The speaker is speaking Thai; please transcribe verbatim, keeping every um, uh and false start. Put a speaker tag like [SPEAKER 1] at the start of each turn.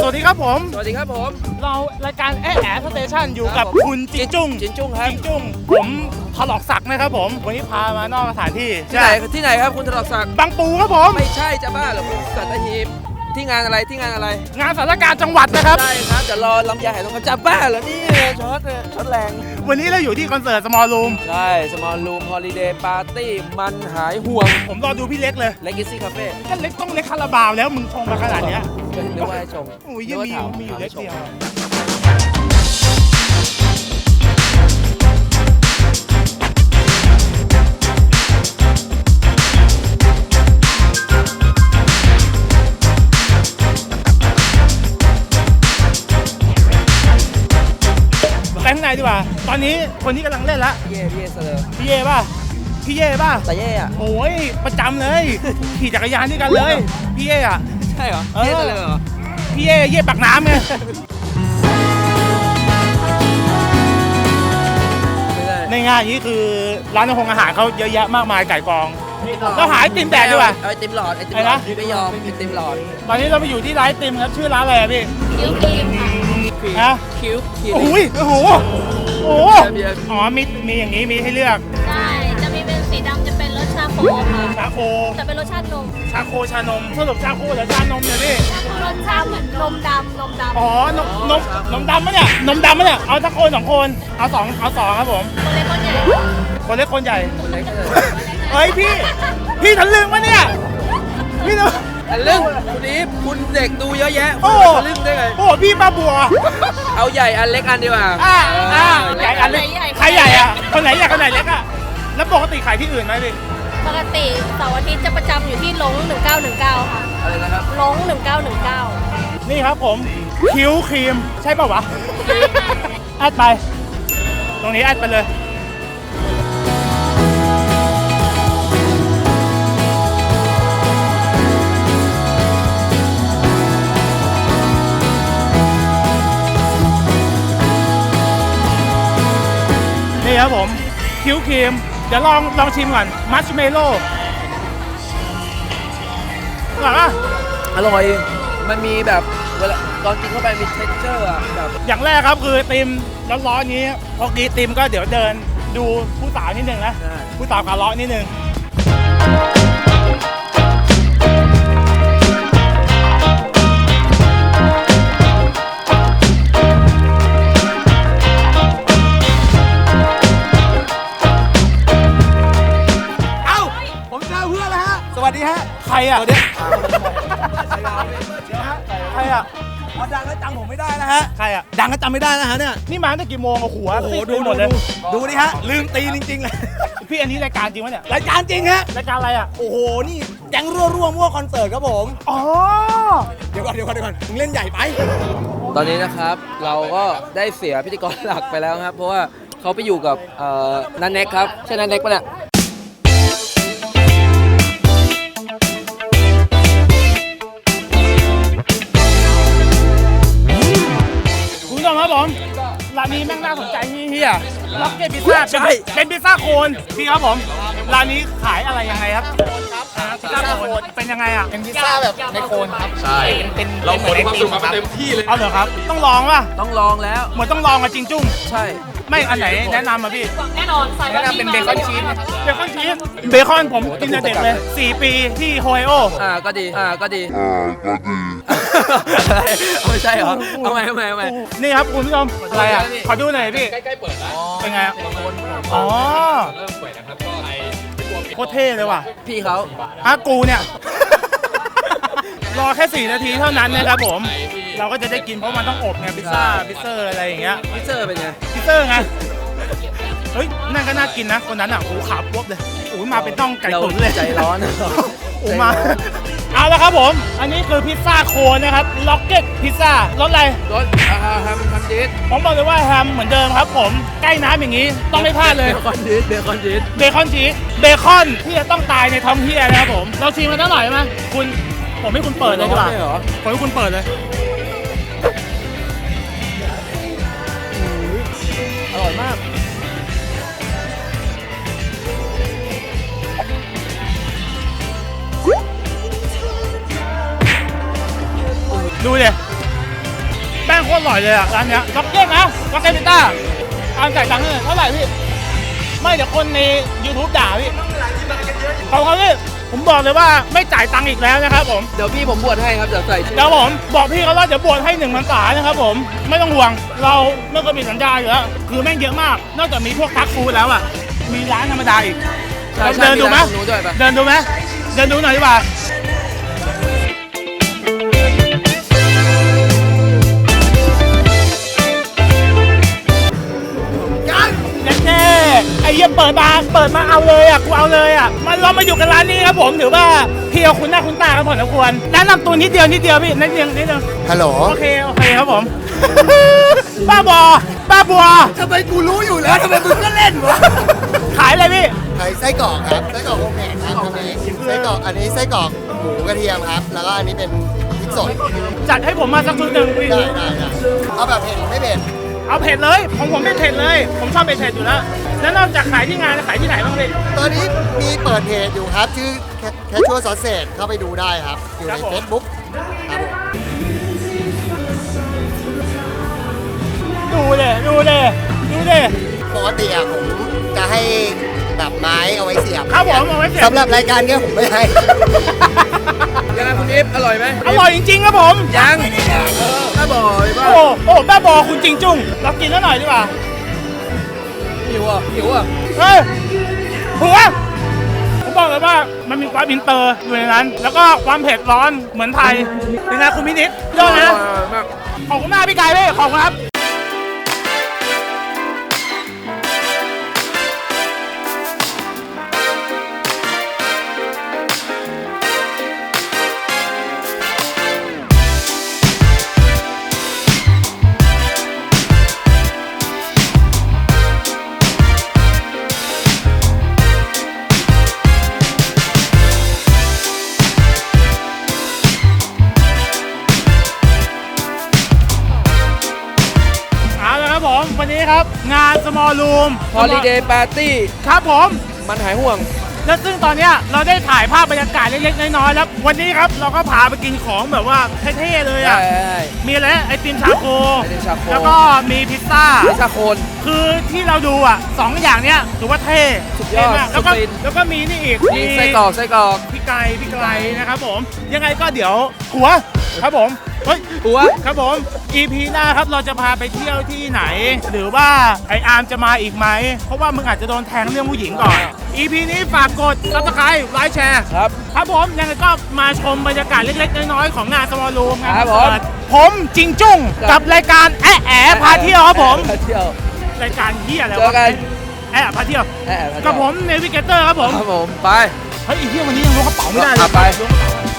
[SPEAKER 1] วัสดีครับผม
[SPEAKER 2] สวัสดีครับผม
[SPEAKER 1] เรารายการแอแอสเตชันอยู่กับคุณจินจุ้ง
[SPEAKER 2] จินจุ้งครับ
[SPEAKER 1] จินจุ้งผมถลอกศักดิ์นะครับผมวันนี้พามานอกสถานที่
[SPEAKER 2] ที่ไหนที่ไหนครับคุณถลอกศักดิ์
[SPEAKER 1] บางปูครับผม
[SPEAKER 2] ไม่ใช่จะบ้าเหรอคุณสัตหีบที่งานอะไรที่งานอะไร
[SPEAKER 1] งานสถานการณ์จังหวัดนะครับ
[SPEAKER 2] ใช่ครับเดี๋ยวรอลำไยหายทองคำจะบ้าเหรอนี่ช็อตช็อตแรง
[SPEAKER 1] วันนี้เราอยู่ที่คอนเสิร์ต Small Room
[SPEAKER 2] ใช่ Small Room Holiday Party มันหายห่วง
[SPEAKER 1] ผมรอดูพี่เล็กเลย
[SPEAKER 2] Legacy Cafe
[SPEAKER 1] ก็เล็กต้องเล็กคาราบาวแล้วมึงชงมาขนาดนี้
[SPEAKER 2] นึกว่าให้ชง
[SPEAKER 1] โอ้ยยังมีมีอยู่เล็กเดียวไปข้างในดีกว่าตอนนี้คนที่กำลังเล่นละ
[SPEAKER 2] พี่เย่พี่เย่เซอร์
[SPEAKER 1] พี่เย่ป่ะพี่เย่ป่ะ
[SPEAKER 2] แต่เย่อะ
[SPEAKER 1] โอ้ยประจำเลยขี่จักรยานด้วยกันเลยพี่เย่อะ
[SPEAKER 2] ใช่เหรอเย่เซอร์เหรอ
[SPEAKER 1] พี่เย่เย่ปากน้ำไงในงานนี้คือร้านอาหารอาหารเขาเยอะแยะมากมายไก่กองเราหาไอติมแดกดีกว่า
[SPEAKER 2] ไอติมหลอดไอติมหลอดไม่ยอมไอติมหลอด
[SPEAKER 1] ตอนนี้เราไปอยู่ที่ร้านไอติมครับชื่อร้านอะไรพี่
[SPEAKER 3] คิวครีม
[SPEAKER 1] ค่ะ
[SPEAKER 2] คิวคิว
[SPEAKER 1] โอ้ยโอ้โหโอ้อ๋อมีมีอย่างนี้มีให้เลือก
[SPEAKER 3] ใช่จะมีเป็นสีดำจะเป็นรสชาโคค่ะ
[SPEAKER 1] ชาโค
[SPEAKER 3] จะเป็นรสชาตินม
[SPEAKER 1] ชาโคชานมสรุปชาโคหรือชานมเนี่ยพี่
[SPEAKER 3] รสชาติเหมือนนมดำนมดำ
[SPEAKER 1] อ๋อนมนมนมดำมะเนี่ยนมดำมะเนี่ยเอาสักคนสองคนเอาสองเอาสองครับผม
[SPEAKER 3] คนเล็กคนใหญ่
[SPEAKER 1] คนเล็กคนใหญ่เฮ้ยพี่พี่ทะลึ่งมะเนี่ยพี่ท
[SPEAKER 2] ะลึ่งคุณอีฟคุณเด็กดูเยอะแยะโอ้ทะลึ่งได้ไง
[SPEAKER 1] โอ้พี่ป้าบัว
[SPEAKER 2] เอาใหญ่อันเล็กอันดีกว่า
[SPEAKER 1] อ่าอ่าใหญ่อันเล็กใครใหญ่อะคนไหนใหญ่คนไหนเล็กอะแล้วปกติขายที่อื่นไหมพี่
[SPEAKER 3] ปกติเสาร์อาทิตย์จะประจำอยู่ที่หลงหนึ่งเก้าหนึ่งเก้าค่ะ
[SPEAKER 2] อะไรนะครับ
[SPEAKER 3] หลงหนึ่งเก้าหนึ่งเก้า
[SPEAKER 1] นี่ครับผมคิ้วครีมใช่ป่าววะแอดไปตรงนี้แอดไปเลยนี่ครับผมคิ้วครีมเดี๋ยวลองลองชิมก่อนมัชเมลโล่อร่อยป่ะ
[SPEAKER 2] อร่อยมันมีแบบเวลาตอนกินเข้าไปมีเท็กเจอร์อะแบบ
[SPEAKER 1] อย่างแรกครับคือติมร้อนๆนี้พอกินติมก็เดี๋ยวเดินดูผู้สาวนิดนึงนะผู้สาวขาเลาะนิดนึง
[SPEAKER 2] สวัสดีฮะ
[SPEAKER 1] ใครอ่ะ
[SPEAKER 2] เดี๋ยว
[SPEAKER 1] ใครอ่ะ
[SPEAKER 2] ดังแล้วจำผมไม่ได้นะฮะ
[SPEAKER 1] ใครอ่ะ
[SPEAKER 2] ดังแล้วจำไม่ได้นะฮะเนี่ย
[SPEAKER 1] นี่มาตั้งกี่โมงอะหัว
[SPEAKER 2] โอ้โหดูหมดเลยดูนี่ฮะลืมตีจริงๆเลย
[SPEAKER 1] พี่อันนี้รายการจริงวะเนี่ย
[SPEAKER 2] รายการจริงฮะ
[SPEAKER 1] รายการอะไรอ่ะ
[SPEAKER 2] โอ้โหนี่แก๊งรั่วรั่วมั่วคอนเสิร์ตครับผม
[SPEAKER 1] อ๋อ
[SPEAKER 2] เดี๋ยวก่อนเดี๋ยวก่อนเดี๋ยวก่อนมึงเล่นใหญ่ไปตอนนี้นะครับเราก็ได้เสียพิธีกรหลักไปแล้วครับเพราะว่าเขาไปอยู่กับนันเน็กครับใช่นันเน็กปะเนี่ย
[SPEAKER 1] ครับผมร้านนี้แม่งน่าสนใจเฮียล็อกเก็ตพิซซ่าใช่เป็นพิซซ่าโคนพี่ครับผมร้านนี้ขายอะไรยังไงครับพิซซ่าโคนเป็นยังไงอ่ะ
[SPEAKER 4] เป็นพิซซ่าแบบในโคนครับ
[SPEAKER 5] ใช่
[SPEAKER 4] เป็น
[SPEAKER 5] เราขนความสุขมาเต็มที่เลย
[SPEAKER 1] เอาเหรอครับต้องลองป่ะ
[SPEAKER 2] ต้องลองแล้ว
[SPEAKER 1] เหมือนต้องลองกับจริงจุ้ง
[SPEAKER 2] ใช่
[SPEAKER 1] ไม่อันไหนแนะนำมาพี่
[SPEAKER 3] แน่นอนใส่
[SPEAKER 4] แนะนำเป็นเบคอนชีส
[SPEAKER 1] เบคอนชีสเบคอนผมกินแต่เด็กเลยสี่ปีที่โฮไอโอ
[SPEAKER 2] อ่าก็ดีอ่าก็ดีอ่าก็ดีไม่ใช่เหรอทำไมทำไมทำไม
[SPEAKER 1] นี่ครับคุณผู้ชมอะไรอ่ะขอดูหน่อยพี่
[SPEAKER 5] ใกล้ๆเปิดแล้ว
[SPEAKER 1] เป็นไง
[SPEAKER 5] อ๋อเริ่มเปิดนะครับก็ไอ
[SPEAKER 1] โคตรเท่เลยว่ะ
[SPEAKER 2] พี่เขา
[SPEAKER 1] อ่ะกูเนี่ยรอแค่สี่นาทีเท่านั้นนะครับผมเราก็จะได้กินเพราะมันต้องอบไงพิซซ่าพิซเซอร์อะไรอย่างเงี้ย
[SPEAKER 2] พิซเซอร์เป็นไง
[SPEAKER 1] พิซเซอร์ไงเฮ้ยนั่นก็น่ากินนะคนนั้นอ่ะโอ้ขาปุ๊บเลยโอ้มาเป็นต้องไก่ตุ๋นเลย
[SPEAKER 2] ใจร้อน
[SPEAKER 1] โอ้มาเอาละครับผมอันนี้คือพิซซ่าโคนนะครับล็อกเก็ตพิซซ่ารสอะไร
[SPEAKER 2] รสแฮมแฮมชีส
[SPEAKER 1] ผมบอกเลยว่าแฮมเหมือนเดิมครับผมใกล้น้ำอย่างนี้ต้องไม่พลาดเลย
[SPEAKER 2] เบคอนชีสเบคอนชีส
[SPEAKER 1] เบคอนชีสเบคอนที่จะต้องตายในท้องเฮียนะครับผมเราชิมมันอร่อยไหมคุณผมให้คุณเปิดเลยดีกว่าผมให้คุณเปิดเลย
[SPEAKER 2] อร่อยมาก
[SPEAKER 1] ดูดิแป้งโคตรอร่อยเลยอ่ะร้านเนี้ยล็อกเก็ตนะล็อกเก็ตพิซซ่าอามจ่ายตังค์ให้หน่อยเท่าไหร่พี่ไม่เดี๋ยวคนใน YouTube ด่าพี่ขอบคุณพี่ผมบอกเลยว่าไม่จ่ายตังค์อีกแล้วนะครับผม
[SPEAKER 2] เดี๋ยวพี่ผมบวชให้ครับเดี๋ยวใส่ชื่อ
[SPEAKER 1] เดี๋ยวผมบอกพี่เขาว่าเดี๋ยวบวชให้หนึ่งพรรษานะครับผมไม่ต้องห่วงเราไม่เคยมีสัญญาอยู่แล้วคือแม่งเยอะมากนอกจากมีพวกทักฟูดแล้วอ่ะมีร้านธรรมดาอีก
[SPEAKER 2] ใช่ใช่
[SPEAKER 1] เดินดูไหม
[SPEAKER 2] ร้านตรงนู้นด้วยปะ
[SPEAKER 1] เดินดูไหมเดินดูหน่อยดีกว่าแน่ๆไอ้เหี้ยเปิดมาเปิดมาเอาเลยอ่ะกูเอาเลยอ่ะมันเรามาอยู่กันร้านนี้ครับผมถือว่าพี่เอาคุณหน้าคุณตาครับผมนะควรแนะนำตัวนิดเดียวนิดเดียวพี่นิดเดียวนิดเดียว
[SPEAKER 6] ฮัลโหล
[SPEAKER 1] โอเคโอเคครับผม บ้าบอบ้าบัว
[SPEAKER 6] ทำไมกูรู้อยู่แล้วทำไมมึงก็เล่นวะ
[SPEAKER 1] ขายอะไรพี่
[SPEAKER 6] ขายไส้กรอกครับ ไส้กรอกโฮมเมดครับทำเองไส้กรอกอันนี้ไส้กรอกหมูกระเทียมครับ แล้วก็อันนี้เป็นพริกสด
[SPEAKER 1] จัดให้ผมมาสักชุดหนึ่งพี่
[SPEAKER 6] ได้ได้ได้เอาแบบเผ็ดหรือไม่เผ็ด
[SPEAKER 1] เอาเผ็ดเลยของผมไม่เผ็ดเลย ผมชอบเผ็ดๆอยู่แล้วแล้วนอกจากขายที่งานขายที่ไหนบ้างพี่
[SPEAKER 6] ตอนนี้มีเปิดเพจอยู่ครับ ชื่อแคชชัวร์ซอสเซจเข้าไปดูได้ครับ อยู่
[SPEAKER 1] ครั
[SPEAKER 6] ใน
[SPEAKER 1] บผม
[SPEAKER 6] เฟซบุ๊กครับผม
[SPEAKER 1] ดูเลยดูเลยดูเลย
[SPEAKER 6] ปกติอะผมจะให้แบบไม้เอาไว้เสียบ
[SPEAKER 1] ครับผมเอาไว้เสียบ
[SPEAKER 6] สำหรับรายการเนี้ยผมไม่ให้
[SPEAKER 2] ยังไงคุณอิฟอร่อยไหม
[SPEAKER 1] อร่อยจริงๆครับผม
[SPEAKER 2] ยังเออถ้าบ่อยป่ะ
[SPEAKER 1] โอ้โอ้บ้าบอคุณจริงจุ้งเรากินแล้วหน่อยดีกว่า
[SPEAKER 2] หิวอ่ะหิวอ่ะ
[SPEAKER 1] เฮ้ยหัวผมบอกเลยว่ามันมีความอินเตอร์อยู่ในนั้น แล้วก็ความเผ็ดร้อนเหมือนไทยเป็นไงคุณมินิดยอดนะ
[SPEAKER 2] มาก
[SPEAKER 1] ขอบคุณมากพี่กายพี่ขอบคุณครับเอาละครับผมวันนี้ครับงาน small room
[SPEAKER 2] ฮอลิเดย์ปาร์ตี้
[SPEAKER 1] ครับผม
[SPEAKER 2] มันหายห่วง
[SPEAKER 1] และซึ่งตอนเนี้ยเราได้ถ่ายภาพบรรยากาศเล็กๆน้อยๆแล้ววันนี้ครับเราก็พาไปกินของแบบว่าเท่ๆเลย
[SPEAKER 2] ใช่
[SPEAKER 1] อ่ะมีอะไรนะไอติมชาโค
[SPEAKER 2] ไอติมชาโค
[SPEAKER 1] แล้วก็มีพิซซ่า
[SPEAKER 2] พิซซ่าโคน
[SPEAKER 1] คือที่เราดูอ่ะสองอย่างเนี้ยถือว่าเท่
[SPEAKER 2] สุดยอด
[SPEAKER 1] เท่มากแล้วก็
[SPEAKER 2] สุดฟิน
[SPEAKER 1] แล้วก็มีนี่อีก
[SPEAKER 2] มีไส้กรอกไส้กรอก
[SPEAKER 1] พี่ไก่พี่ไก่นะครับผมยังไงก็เดี๋ยวหัวครับผมเฮ้ย
[SPEAKER 2] หัว
[SPEAKER 1] ครับผม อี พี หน้าครับเราจะพาไปเที่ยวที่ไหน หรือว่าไออาร์มจะมาอีกไหมเพราะว่ามึงอาจจะโดนแทงเรื่องผู้หญิงก่อน อี พี นี้ฝากกด ซับสไครบ์ ไลค์แชร์
[SPEAKER 2] ครับ
[SPEAKER 1] ครับผมยังไงก็มาชมบรรยากาศเล็กๆน้อยๆของงานสมอลรูมงาน
[SPEAKER 2] ครับผม
[SPEAKER 1] เปิดผมจิงจุ้ง
[SPEAKER 2] ครับ
[SPEAKER 1] กับรายการแอะแอะพาเที่ยวครับผม
[SPEAKER 2] พาเที่ยว
[SPEAKER 1] รายการเที่ยอะไร
[SPEAKER 2] เจอ
[SPEAKER 1] วะ
[SPEAKER 2] กัน
[SPEAKER 1] แอะพาเที่ยว
[SPEAKER 2] แอะพาเที่ยว
[SPEAKER 1] กับผมเนวิเกเตอร์ครับผม
[SPEAKER 2] ครับผมไป
[SPEAKER 1] เฮ้ยไอีเที่ยวันนี้ยังล้วงกระเป๋าไม่ได้เลย
[SPEAKER 2] อ่ะไป
[SPEAKER 1] ล้วงกระเป๋า